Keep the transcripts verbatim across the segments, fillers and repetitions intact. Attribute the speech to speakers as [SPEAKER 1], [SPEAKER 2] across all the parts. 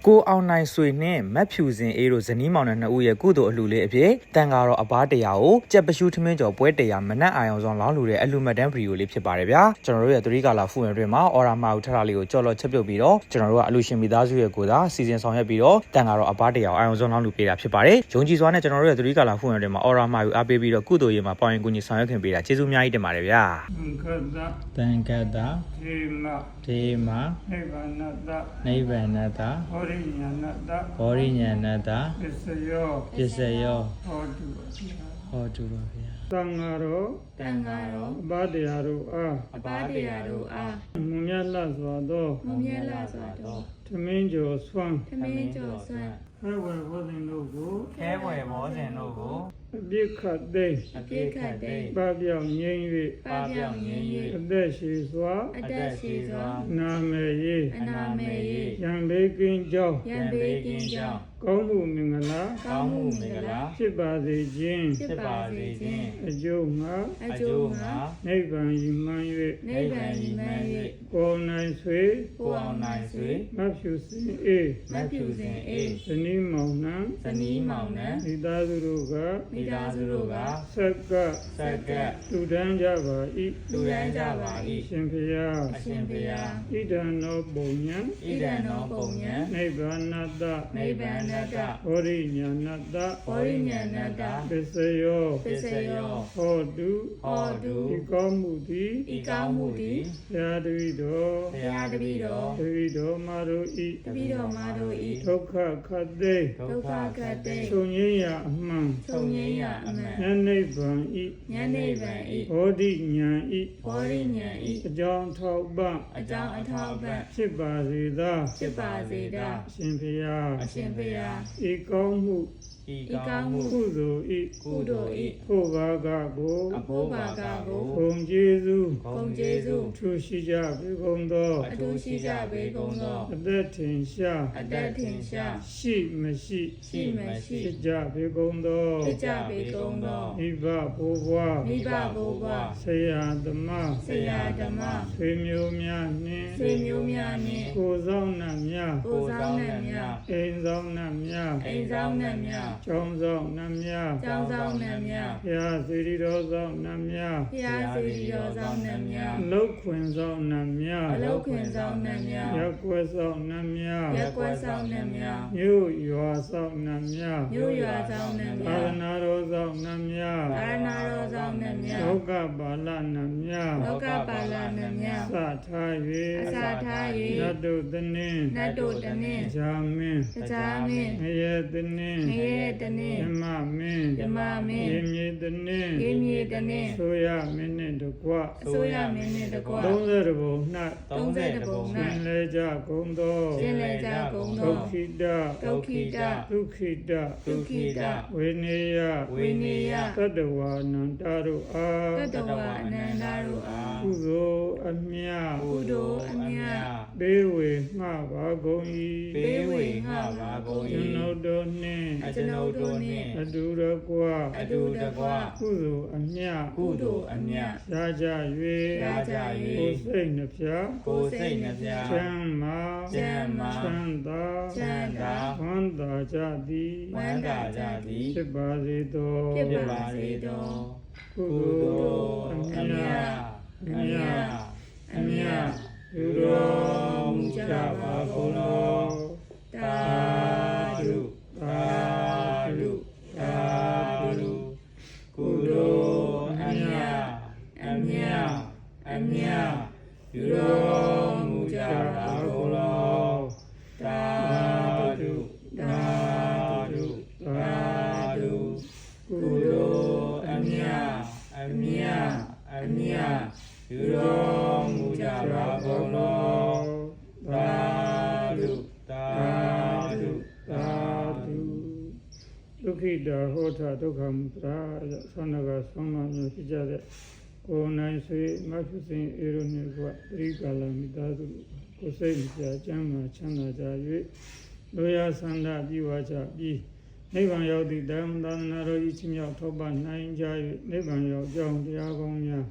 [SPEAKER 1] ကိုအောင်နိုင်ဆွေနဲ့မတ်ဖြူစင်အေးတို့ဇနီးမောင်နှံနှစ်ဦးရဲ့ကုသိုလ်အလှူလေးအဖြစ်တန်ကားတော့အပားတရာကိုကြက်ပရှုထမင်းကျော်ပွဲတရာမနက်အာရုံဆောင်လောင်းလူတဲ့အလှူမတ်တန်းဗီဒီယိုလေးဖြစ်ပါတယ်ဗျာကျွန်တော်တို့ရဲ့သတိကာလဖူဝင်တွင်မှာအော်ရာမာဦးထထလေးကိုကြော်လော်ချက်ပြုတ်ပြီးတော့ကျွန်တော်တို့ကအလှူရှင်မိသားစုရဲ့ကိုသာစီစဉ်ဆောင်ရွက်ပြီးတော့တန်ကားတော့အပားတရာကိုအာရုံဆောင်လောင်းလူပေးတာဖြစ်ပါတယ်ယုံကြည်စွာနဲ့ကျွန်တော်တို့ရဲ့သတိကာလဖူဝင်တွင်မှာအော်ရာမာဦးအားပေးပြီးတော့ကုသိုလ်ရေးမှာပေါင်ရင်ကူညီဆောင်ရွက်ခင်ပေးတာကျေးဇူးအများကြီးတင်ပါတယ်ဗျာတန်ခတ်တာဒေမဒေမနိဗ္ဗာနတနိဗ္ဗာနတဟောရိညာဏတဟောရိညာဏတပစ္စယောပစ္စယောဟောတုဟောတုပါဗျာတန်ဃာတော်တန်ဃာတော်အပါတရားတို့အားအပါတရားတို့အားမွန်မြတ်လှစွာသောမွန်မြတ်လှစွာသောသမင်းကျော်ဆွမ်းသမင်းကျော်ဆွမ်းခဲဝယ်ဘောဇင်တို့ကိုခဲဝယ်ဘောဇင်တို့ကိုအပြစ်ခတ်သိမ်းအပြစ်ခတ်သိမ်းပပျောက်ငြိမ်း၍ပပျောက်ငြိမ်း၍အသက်ရှိစွာအသက်ရှိစွာနာမေယေအနာမေယေယံဘေကင်းကြောင်းယံဘေကင်းကြောင်းကောင်းမှုမင်္ဂလာကောင်းမှုမင်္ဂလာဖြစ်ပါစေခြင်းဖြစ်ပါစေခြင်းအကျိုးငါအကျိုးငါနိဗ္ဗာန်ရည်မှန်း၍နိဗ္ဗာန်ရည်မှန်း၍ကိုယ်နိုင်ဆွေကိုယ်အောင်နိုင်ဆွေမဖြူစင်အေးမဖြူစင်အေးဇနီးမောင်နှံဇနီးမောင်နှံမိသားစုတို့ကမိသားစုတို့ကဆက်ကဆက်ကတူတန်းကြပါ၏တူတန်းကြပါ၏ရှင်ဖျားအရှင်ဖျားဣဒံနောပုံညာဣဒံနောပုံညာနိဗ္ဗာနတနိဗ္ဗာနတဟောရိညာဏတဟောရိညာဏတပစ္စယောပစ္စယောဟောတုဟောတုဤကောင်းမှုသည်ဤကောင်းမှုသည်ဘုရားတပည့်တော်ဘုရားတပည့်တော်တပည့်တော်မာတို့ဤတပည့်တော်မာတို့ဤဒုက္ခခတ်သိဒုက္ခခတ်သိချုပ်ငြိမ်းရာအမှန်ချုပ်ငြိမ်းရာအမှန်ဉာဏ်နိဗ္ဗာန်ဤဉာဏ်နိဗ္ဗာန်ဤဟောတိဉာဏ်ဤဟောတိဉာဏ်ဤအကြောင်းထောက်ပံ့အကြောင်းအထောက်ပံ့ဖြစ်ပါစေသာဖြစ်ပါစေသာအရှင်ဘုရားအရှင်ဘုရားဤကောင်းမှုဤကောင်းမှုကုသိုလ်ဤကုသိုလ်ဤဖို့ဘာကကိုအဖို့ဘာကကိုဘုံကျေးဇူးဘုံကျေးဇူးထူရှိကြပေကုန်သောအထူရှိကြပေကုန်သောအသက်ထင်ရှားအသက်ထင်ရှားရှိမရှိရှိမရှိဖြစ်ကြပေကုန်သောဖြစ်ကြပေကုန်သောမိဘဘိုးဘွားမိဘဘိုးဘွားဆရာသမားဆရာသမားဆွေမျိုးများနှင့်ဆွေမျိုးများနှင့်ကိုယ်ဆောင်နှံများကိုယ်ဆောင်နှံများအိမ်ဆောင်နှံများအိမ်ဆောင်နှံများကျောင်းဆောင်နှံများကျောင်းဆောင်နှံများဘုရားစေတီတော်ဆောင်နှံများဘုရားစေတီတော်ဆောင်နှံများအလုတ်ခွင်ဆောင်နှံများအလုတ်ခွင်ဆောင်နှံများရက်ကွယ်ဆောင်နှံများရက်ကွယ်ဆောင်နှံများမြို့ရွာဆောင်နှံများမြို့ရွာဆောင်နှံများသာသနာတော်ဆောင်နှံများသာသနာတော်ဆောင်နှံများလောကပါဠနှံများလောကပါဠနှံများစထား၍အစထား၍နတ်တို့တနင်းနတ်တို့တနင်းဇာမင်းဇာမင်းငရဲတနင်းငရဲတနင်းဓမ္မမင်းဓမ္မမင်းရေမြေတနင်းရေမြေတနင်းဆိုရမင်းနှင့်တကွဆိုရမင်းနှင့်တကွသုံးဆယ်ဘုံ၌သုံးဆယ်ဘုံ၌ရှင်လေကြကုန်သောရှင်လေကြကုန်သောဒုက္ခိတဒုက္ခိတဒုက္ခိတဒုက္ခိတဝေနေယဝေနေယတတဝါနန္တတို့အားတတဝါအနန္တတို့အားကုသိုလ်အမြတ်ကုသိုလ်အမြတ်ဘေးဝေငှပါကုန်၏ဘေးဝေငှပါကုန်၏ကျွန်ုပ်တို့နှင့်ကျွန်ုပ်တို့နှင့်အတူတကွအတူတကွကုသိုလ်အမြတ်ကုသိုလ်အမြတ်ရကြ၍ရကြ၍ကိုယ်စိတ်နှဖျားကိုယ်စိတ်နှဖျားချမ်းမာချမ်းမာချမ်းသာချမ်းသာဝမ်းသာကြသည်ဝမ်းသာကြသည်ဖြစ်ပါစေသောဖြစ်ပါစေသောကုသိုလ်အမြတ်အမြတ်အမြတ်ပြုတော်မူကြပါကုန်သောသာဓုသာဓုသာဓုကုသိုလ်အမြတ်အမြတ်အမြတ်ပြုတော်မူကြပါကုန်သောသာဓုသာဓုသာဓုကုသိုလ်အမြတ်အမြတ်အမြတ်ပြုတော်မူကြပါကုန်သောသာဓုသာဓုသာဓုဒုက္ခိတဟောထဒုက္ခမုတ္တရာသန္နကသုံးပါးမျိုးဖြစ်ကြတဲ့ကိုယ်နိုင်ဆွေမဖြူစင်အေရုံနှင့်ကပရိကာလမိသားစုကိုယ်စိတ်ကြကျမ်းမာချမ်းသာကြ၍လူရဆန္ဒပြုဝါကြပြီးနိဗ္ဗာန်ရောက်သည့်ဓမ္မသာသနာတော်ဤချင်းမြောက်ထောက်ပံ့နိုင်ကြ၍နိဗ္ဗာန်ရောက်ကြောင်းတရားကောင်းများ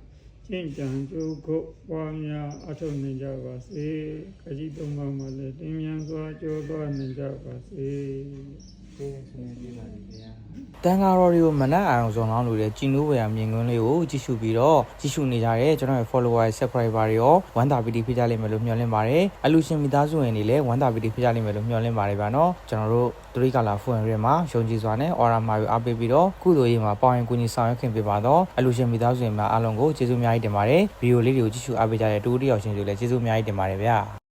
[SPEAKER 2] ကျင့်ကြံကြိုးကုတ်ပွားများအထောက်နိုင်ကြပါစေခကြီးသုံးပါးမှာလည်းတင်းမြန်စွာကြောသွားနိုင်ကြပါစေကျေးဇူးတင်ပါတယ်ဗျာ
[SPEAKER 1] တန်ဃာတော်တွေကိုမနက်အာရုံစုံလောင်းလို့တဲ့ကြည်နူးဝေယမြင်ကွင်းလေးကိုကြည့်ရှုပြီးတော့ကြည့်ရှုနေကြတဲ့ကျွန်တော်ရဲ့ follower subscriber တွေရောဝမ်းသာပီတိဖြစ်ကြလိမ့်မယ်လို့မျှော်လင့်ပါတယ်အလူရှင်မိသားစုဝင်တွေလည်းဝမ်းသာပီတိဖြစ်ကြလိမ့်မယ်လို့မျှော်လင့်ပါတယ်ဗျာနော်ကျွန်တော်တို့သတိကာလာဖူဝင်ရဲမှာယုံကြည်စွာနဲ့အော်ရာမာယူအားပေးပြီးတော့ကုသိုလ်ရေးမှာပေါင်ရင်ကူညီဆောင်ရွက်ခင်ပေးပါတော့အလူရှင်မိသားစုဝင်များအားလုံးကိုကျေးဇူးအများကြီးတင်ပါတယ်ဗီဒီယိုလေးတွေကိုကြည့်ရှုအားပေးကြတဲ့တူတူတယောက်ချင်းတွေလည်းကျေးဇူးအများကြီးတင်ပါတယ်ဗျာ